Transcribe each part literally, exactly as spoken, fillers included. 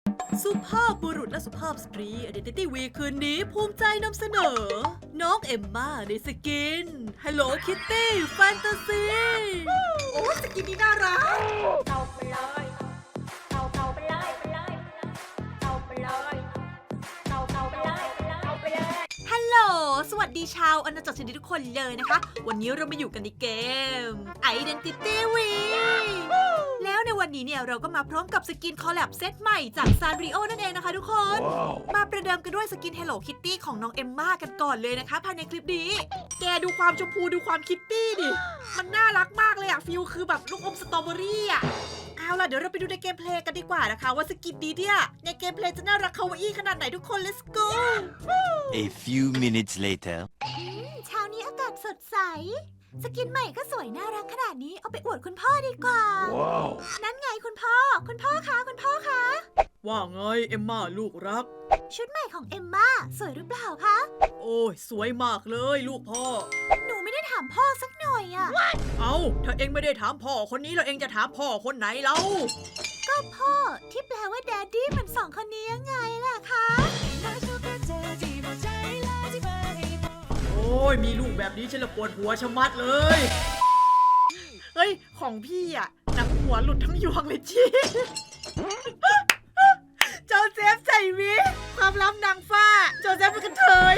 สุภาพบุรุษและสุภาพสตรี Identity Week คืนนี้ภูมิใจนำเสนอ น้องเอมม่าในสกิน Hello Kitty Fantasy โอ้สกินนี้น่ารักเข้าไปเลยเข้าเข้าไปเลยไปเลยเข้าไปเลยเข้าเข้าไปเลยเข้าไปเลยฮัลโหล สวัสดีชาวอาณาจักรชนิดทุกคนเลยนะคะ วันนี้เรามาอยู่กันในเกม Identity Week แล้วในวันนี้เนี่ยเราก็มาพร้อมกับสกินคอลแลบเซตใหม่จากซานริโอนั่นเองนะคะทุกคน wow. มาประเดิมกันด้วยสกิน Hello Kitty ของน้องเอมม่ากันก่อนเลยนะคะภายในคลิปนี้ แกดูความชมพูดูความคิตตี้ดิ มันน่ารักมากเลยอะฟิลคือแบบลูกอมสตรอเบอรี่อะเอาล่ะเดี๋ยวเราไปดูในเกมเพลย์กันดีกว่านะคะว่าสกินนี้เนี่ยในเกมเพลย์จะน่ารักคาวาอี้ขนาดไหนทุกคน let's go A few minutes later เช้านี้อากาศสดใสสกินใหม่ก็สวยน่ารักขนาดนี้เอาไปอวดคุณพ่อดีกว่า wow. นั่นไงคุณพ่อคุณพ่อคะคุณพ่อคะว่าไงเอมม่าลูกรักชุดใหม่ของเอมม่าสวยหรือเปล่าคะโอ้ยสวยมากเลยลูกพ่อหนูไม่ได้ถามพ่อสักหน่อยอะเอาถ้าเองไม่ได้ถามพ่อคนนี้แล้วเองจะถามพ่อคนไหนเล่าก็พ่อที่แปลว่าแดดดี้มันสองคนนี้ยังไงล่ะคะโอ้ยมีลูกแบบนี้ฉันละปวดหัวชะมัดเลยเฮ้ยของพี่อะหนังหัวหลุดทั้งยวงเลยจีโจเซฟใส่วิกความลับนางฟ้าโจเซฟเป็นกระเทย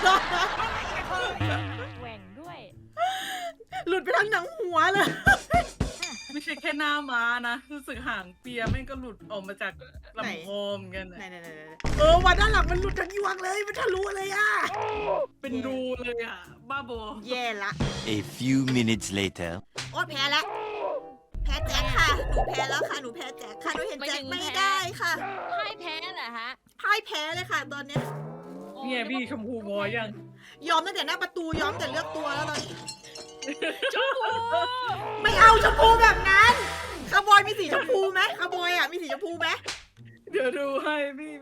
แหว่งด้วยหลุดไปทั้งหนังหัวเลยไม่ใช่แค่หน้าม้านะรู้สึกหางเปียแม่งก็หลุดออกมาจากลำโพงกันนะเออวันด้านหลังมันหลุดทั้งยวงเลยมันทะลุเลยอ่ะเป็นรูเลยอ่ะบ้าบอแย่ละ A few minutes later โอ๊ยแพ้แล้วแพ้แจ็คค่ะหนูแพ้แล้วค่ะหนูแพ้แจ็คค่ะหนูเห็นแจ็คไม่ได้ค่ะพ่ายแพ้เหรอฮะพ่ายแพ้เลยค่ะตอนนี้เนี่ยพี่ชมพูงอยังยอมตั้งแต่หน้าประตูยอมแต่เลือกตัวแล้วตอนนี้ชมพูไม่เอาชมพูแบบนั้นคาร์บอยมีสีชมพูไหมคาร์บอยอ่ะมีสีชมพูไหมเดี๋ยวดูให้พี่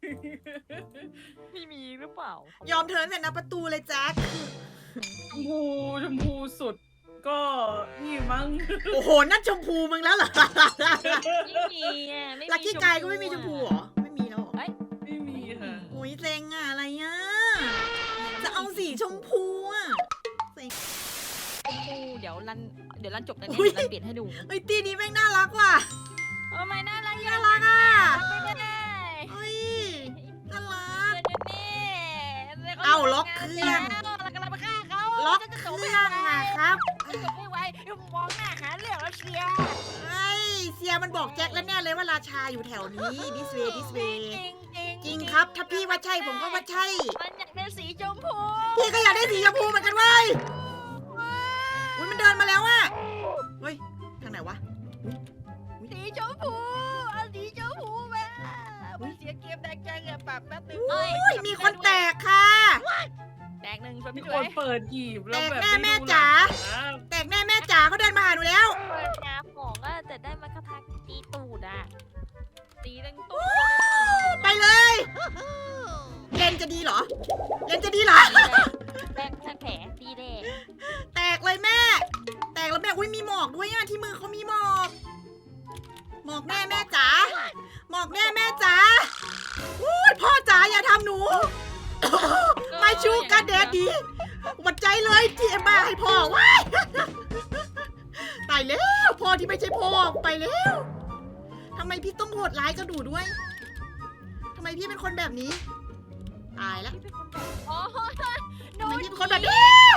พี่มีหรือเปล่ายอมเธอแต่หน้าประตูเลยแจ็คชมพูชมพูสุดก็นี่มั้งโอ้โหนั่นชมพูมึงแล้วเหรอไม่มีอ่ะลักกี้กายก็ไม่มีชมพูเหรอไม่มีแล้วไม่มีค่ะโอ้ยเซ็งอะอะไรอ่ะจะเอาสีชมพูอ่ะชมพูเดี๋ยวรันเดี๋ยวรันจบกันเนี่ยรันเปลี่ยนให้ดูเฮ้ยตีนี้แม่งน่ารักว่ะทำไมน่ารักน่ารักอ่ะไม่ได้เฮ้ยน่ารักเอ้าล็อกเครื่องเรากำลังไปฆ่าเขาล็อกเครื่องอะครับไม่ไหวมองหน้าหาเรื่องแล้วเชียร์เฮ้ยเสียมันบอกแจ็คแล้วแน่เลยว่าราชาอยู่แถวนี้ดิสเวย์ดิสเวย์จริงครับถ้าพี่ว่าใช่ผมก็ว่าใช่มันอยากได้สีชมพูพี่ก็อยากได้สีชมพูเหมือนกันเว้ยอุ้ยมันเดินมาแล้วอะเฮ้ยทางไหนวะสีชมพูเอาสีชมพูมาเสียเกมแดงจังอะปรับแป๊บนึงโอ้ยมีคนแตกค่ะแตกหนึ่งมีคนเปิดหยิบแล้วแบบแตกแน่แม่จ๋าแตกแน่แม่จ๋าเขาเดินมาหาหนูแล้วเปิดน้ำหมองอะแต่ได้มาคาถาตีตูดอะตีตั้งตูดไปเลยเลนจะดีเหรอเลนจะดีเหรอแตกแผลตีแดงแตกเลยแม่แตกแล้วแม่อุ้ยมีหมอกด้วยอะที่มือเขามีหมอกหมอกแน่แม่จ๋าหมอกแน่แม่จ๋าอุ้ยพ่อจ๋าอย่าทำหนูไม่ชูกันแดดดีหวัดใจเลยที่เอ็มมาให้พ่อว้ายตายแล้วพ่อที่ไม่ใช่พ่อไปแล้วทำไมพี่ต้องโหดร้ายกับหนูด้วยทำไมพี่เป็นคนแบบนี้ตายแล้วทำไมพี่เป็นคนแบบนี้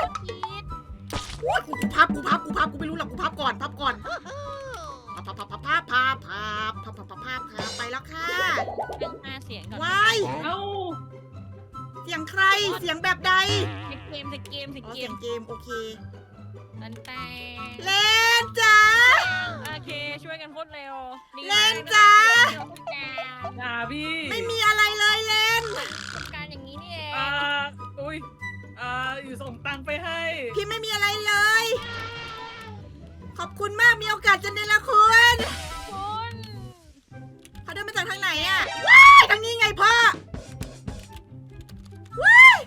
กูพับกูพับกูพับกูไม่รู้หรอกกูพับก่อนพับก่อนพับพับพับพับพับพับพับพับพับพับพับไปแล้วค่ะเรื่องห้าเสียงก่อนว้ายเสียงใครเสียงแบบใดเกมเกมเกมเสียงเกมโอเคนั่นแต่เล่นจ้าโอเคช่วยกันพูดเร็วเล่นจ้าด่าพี่ไม่มีอะไรเลยเล่นการอย่างนี้นี่เองอ่าอุ้ยอ่าอยู่ส่งตังค์ไปให้พี่ไม่มีอะไรเลยขอบคุณมากมีโอกาสจะเนรคุณคุณเขาเดินมาจากทางไหนอ่ะว้ายทางนี้ไงพ่อว้าย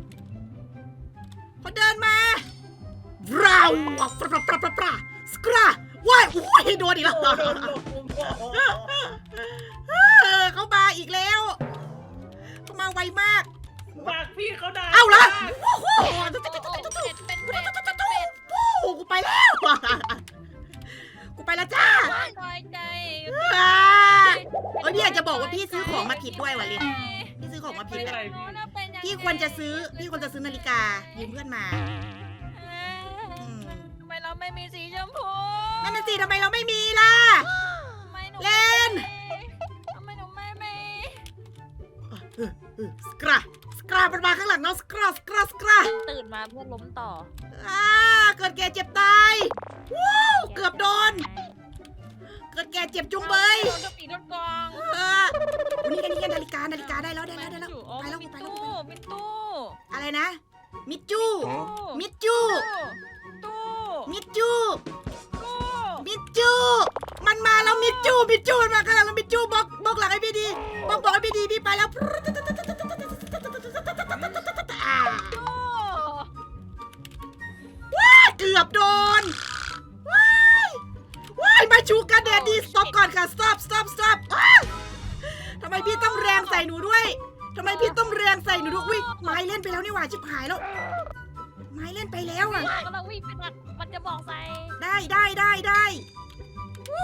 เขาเดินมาเราปราปราปราปราสกราว้ายโอ้ยโดนอีกแล้วเขามาอีกแล้วเขามาไวมากฝากพี่เขาได้เอาละโอ้โหเป็นเป็นเป็นเป็นโอ้โหกูไปแล้ว กูไปแล้วจ้าน้อยใจอ่าเอ้ยพี่อยากจะบอกว่าพี่ซื้อของมาผิดด้วยว่ะลินพี่ซื้อของมาผิดอะพี่ควรจะซื้อพี่ควรจะซื้อนาฬิกายืมเพื่อนมาอืมทำไมเราไม่มีสีชมพูนั่นน่ะสิทำไมเราไม่มีล่ะทำไมหนูเล่นทำไมหนูไม่มีสกราสกรามันมาข้างหลังเราสกราสกราสกราตื่นมาเพื่อล้มต่ออ่าเกิดแก่เจ็บตายวู้เกือบโดน เกิดแก่เจ็บจุงเบยโดนกระปีโดนกองเออนี่กันนี่กันนาฬิกานาฬิกาได้แล้วได้แล้วได้แล้วอ๋อไปแล้วมีไปแล้วตู้มีตู้อะไรนะ มิจูตู้มิจูตู้มิจูตู้มิจูมันมาแล้วมิจูมิจูมันมาข้างหลังแล้วมิจูบอกบอกหลังให้พี่ดีบอกบอกให้พี่ดีพี่ไปแล้วอ่าตู้เกือบโดนว้ายว้ายมาชูกันแดดดี stop ก่อนค่ะ stop stop stop อ้าวทำไมพี่ต้องแรงใส่หนูด้วยทำไมพี่ต้องแรงใส่หนูด้วยอุ้ยไม้เล่นไปแล้วนี่หว่าชิบหายแล้วไม้เล่นไปแล้วอ่ะกำลังวิ่งไปหนักมันจะบอกใส่ได้ได้ได้ได้วู้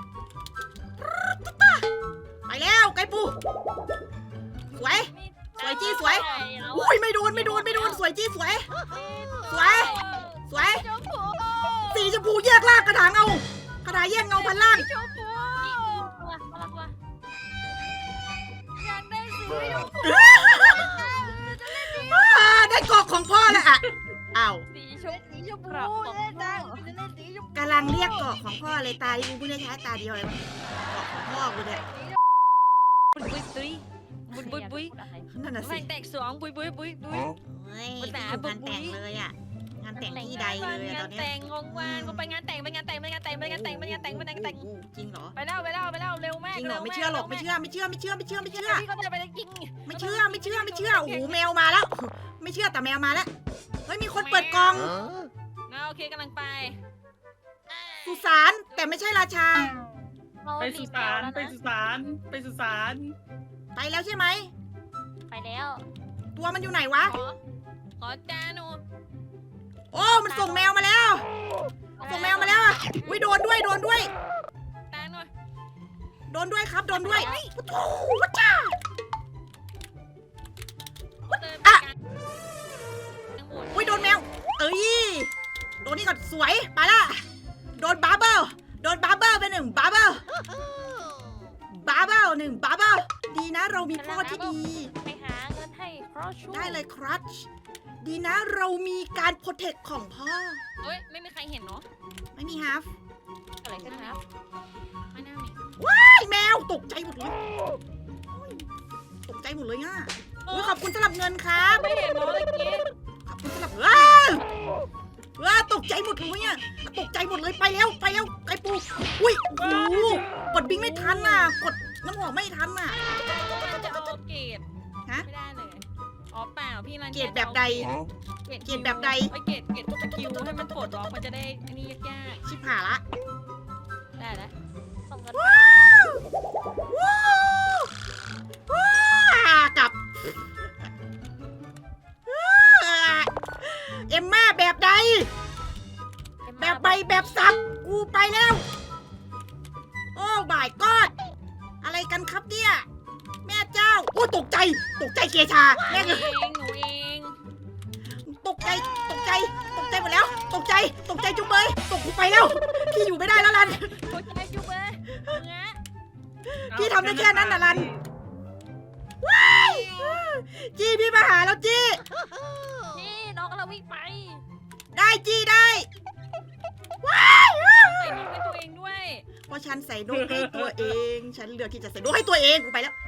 ไปแล้วไก่ปูสวย สวยจี้สวย อุ้ยไม่โดนไม่โดนไม่โดนสวยจี้สวย สวย สวยชมพูสีชมพูแยกล่างกระถางเอากระถางแยกเงาพันล่างชมพูตัวตัวตัวอยากได้สีชมพูอ่าได้กอกของพ่อแล้วอ่ะอ้าวสีชมสีชมพูเล่นได้จะเล่นสีชมพูกำลังเรียกกอกของพ่อเลยตาที่กูเพิ่งได้ใช้ตาเดียวเลยกอกของพ่อกูเนี่ยบุยบุยตุยบุยบุยบุยนั่นน่ะแมสิงแตกสองบุยบุยบุยบุยเฮ้ยภาษาไม่อยู่งานแต่งเลยอ่ะงานแต่งที่ใดเลยอะตอนเนี้ยแต่งงงวานกูไปงานแต่งไปงานแต่งไปงานแต่งไปงานแต่งไปงานแต่งไปงานแต่งโอ้โหจริงเหรอไปแล้วไปแล้วไปแล้วเร็วมากจริงเหรอไม่เชื่อหรอกไม่เชื่อไม่เชื่อไม่เชื่อไม่เชื่อไม่เชื่อไม่เชื่เชื่ออพี่ก็จะไปจริงไม่เชื่อไม่เชื่อไม่เชื่อโอ้โหแมวมาแล้ว ไม่เชื่อแต่แมวมาแล้วเฮ้ยมีคนเปิดกล่องโอเคกำลังไปสุสานแต่ไม่ใช่ราชาไปสุสานไปสุสานไปสุสานไปแล้วใช่ไหมไปแล้วตัวมันอยู่ไหนวะขอขอจานูโอ้มันส่งแมวมาแล้วส่งแมวมาแล้วอ่ะอุ้ยโดนด้วยโดนด้วยตาหน่อยโดนด้วยครับโดนด้วยโอ้โหวัจ้าอ่ะอุ้ยโดนแมวเอ้ยโดนนี่ก่อนสวยไปละโดนบาร์เบิลโดนบาร์เบิลไปหนึ่งบาร์เบิลบาร์เบิลหนึ่งบาร์เบิลดีนะเรามีพ่อที่ดีไปหาเงินให้ครอชูได้เลยครัชดีนะเรามีการโปรเทคของพ่อเฮ้ยไม่มีใครเห็นเนาะไม่มีฮาฟอะไรกันครับไม่น่ามีไอ้แมวตกใจหมดเลยตกใจหมดเลยอ่ะอุ้ยขอบคุณสำหรับเงินครับไม่เห็นเนาะเมื่อกี้ขอบคุณสำหรับว้าวว้าตกใจหมดเลยอ่ะตกใจหมดเลยไปแล้วไปแล้วไก่ปูอุ้ยโอ้โหกดบิงไม่ทันน่ะกดน้ำหอมไม่ทันน่ะจะเอาเกรดฮะไม่ได้เลยอ๋อเปล่าพี่รันเกรดแบบใดเกรดเกรดแบบใดไอเกรดเกรดสกิลให้มันปลดล็อกมันจะได้อันนี้ยากชิบหายละๆได้แล้วส่งเงินว้าวว้าวว้าวกลับเอ็มม่าแบบใด แบบใบแบบสับกูไปแล้ว โอ้บายกอดอะไรกันครับเนี่ย แม่เจ้า โอ้ตกใจ ตกใจเกชาหแม่นูเงเองหนูเองตกใจ ตกใจ ตกใจหมดแล้ว ตกใจ ตกใจจุ๊บเบยตกกูไปแล้ว พี่อยู่ไม่ได้แล้วลันหัวใจจุ๊บเลยเงี้ยพี่ทำได้แค่นั้นน่ะลัน จี้พี่มาหาแล้วจี้นี่น้องกำลังวิ่งไปได้จี้ได้ใส่นกให้ตัวเองด้วยเพราะฉันใส่นกให้ตัวเอง ฉันเลือกที่จะใส่นกให้ตัวเองกูไปแล้ว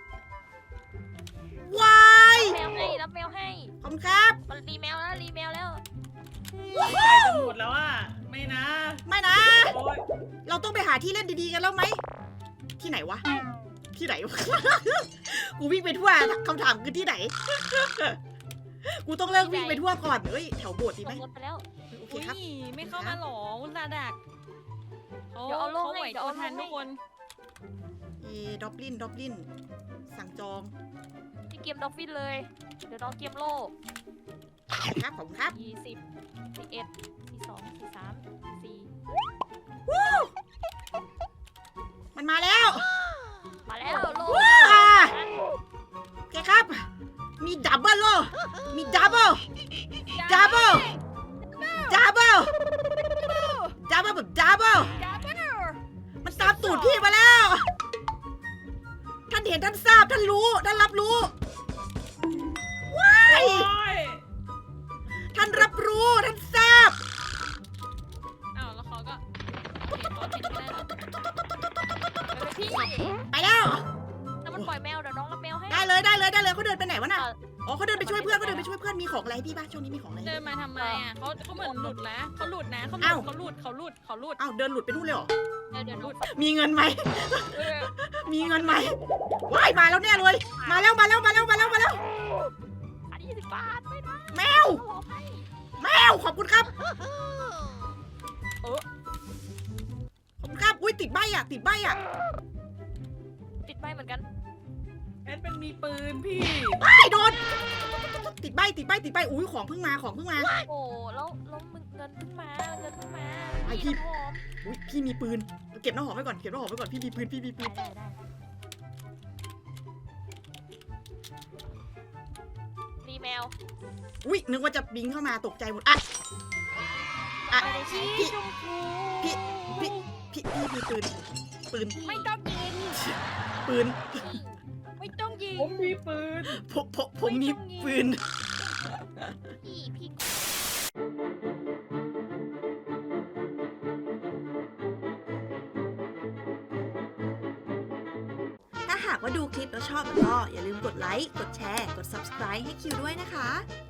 วายแมวให้รับแมวให้ขอบคุณครับมันรีแมวแล้วรีแมวแล้วไก่จะหมดแล้วอ่ะไม่นะไม่นะโอ๊ยเราต้องไปหาที่เล่นดีๆกันแล้วไหม ที่ไหนวะ ที่ไหนวะ กูวิ่งไปทั่วคำถามคือที่ไหน กูต้องเลิกวิ่งไปทั่วก่อนเฮ้ยแถวโบสถ์ดีไหมส่งรถไปแล้วโอเคอุ้ยครับไม่เข้ามาหรออุตส่าห์ดักเขาเดี๋ยวเอาลงเขาไหวให้เดี๋ยวตัวเอาลงทันให้ทุกคนยด็อบลินด็อบลินสั่งจองที่เกมดอฟฟินเลย เดี๋ยวน้องเกมโลครับผมครับยี่สิบสี่เอ็ดสี่สองสี่สามสี่มันมาแล้วมาแล้วโลว้าโอเคครับ มีดับเบิลโลมีดับเบิลดับเบิลดับเบิลดับเบิลแบบดับเบิลดับเบิลมันตามตูดพี่มาแล้ว ท่านเห็นท่านทราบท่านรู้ท่านรับรู้ว้ายโอ้ยท่านรับรู้ท่านทราบอ้าวแล้วเขาก็โอเคเขาเห็นไม่ได้หรอกเออพี่ไปแล้วแล้วมันปล่อยแมวเดี๋ยวน้องรับแมวให้ได้เลยได้เลยได้เลยเขาเดินไปไหนวะน่ะเอออ๋อเขาเดินไปช่วยเพื่อนเขาเดินไปช่วยเพื่อนมีของอะไรให้พี่บ้างช่วงนี้มีของอะไรให้เดินมาทำไมอ่ะเขาเขาเหมือนหลุดนะเขาหลุดนะเขาหลุอ้าวดเขาหลุดเขาหลุดเขาหลุดอ้าวเดินหลุดไปนู่นเลยเหรอเดี๋ยวเดี๋ยวน้องมีเงินไหมเออมีเงินไหมว้ายมาแล้วแน่เลย มาแล้วมาแล้วมาแล้วมาแล้วมาแล้วอันนี้ยี่สิบบาทไม่ได้แมวเขาบอกให้แมวขอบคุณครับเออขอบคุณครับอุ้ยติดใบอ่ะติดใบอ่ะติดใบเหมือนกันแอนเป็นมีปืนพี่ว้ายโดนติดใบติดใบติดใบอุ้ยของเพิ่งมาของเพิ่งมาโอ้แล้วแล้วมึงเงินเพิ่งมาเงินเพิ่งมาไอ้พี่พี่น้ำหอมอุ้ยพี่มีปืนเก็บน้ำหอมไว้ก่อนเก็บน้ำหอมไว้ก่อนพี่มีปืนพี่มีปืได้นได้ได้รีแมวอุ้ยนึกว่าจะบิงเข้ามาตกใจหมดอ่ะอ่ะไปเลยชี้พี่ชมพูพี่พี่พี่พี่มีปืนปืนไม่ต้องยิงปืนไม่ต้องยิงผมมีปืนผมผมผมมีปืนพี่พี่ถ้าหากว่าดูคลิปแล้วชอบก็อย่าลืมกดไลค์ กดแชร์ กด ซับสไครบ์ ให้คิวด้วยนะคะ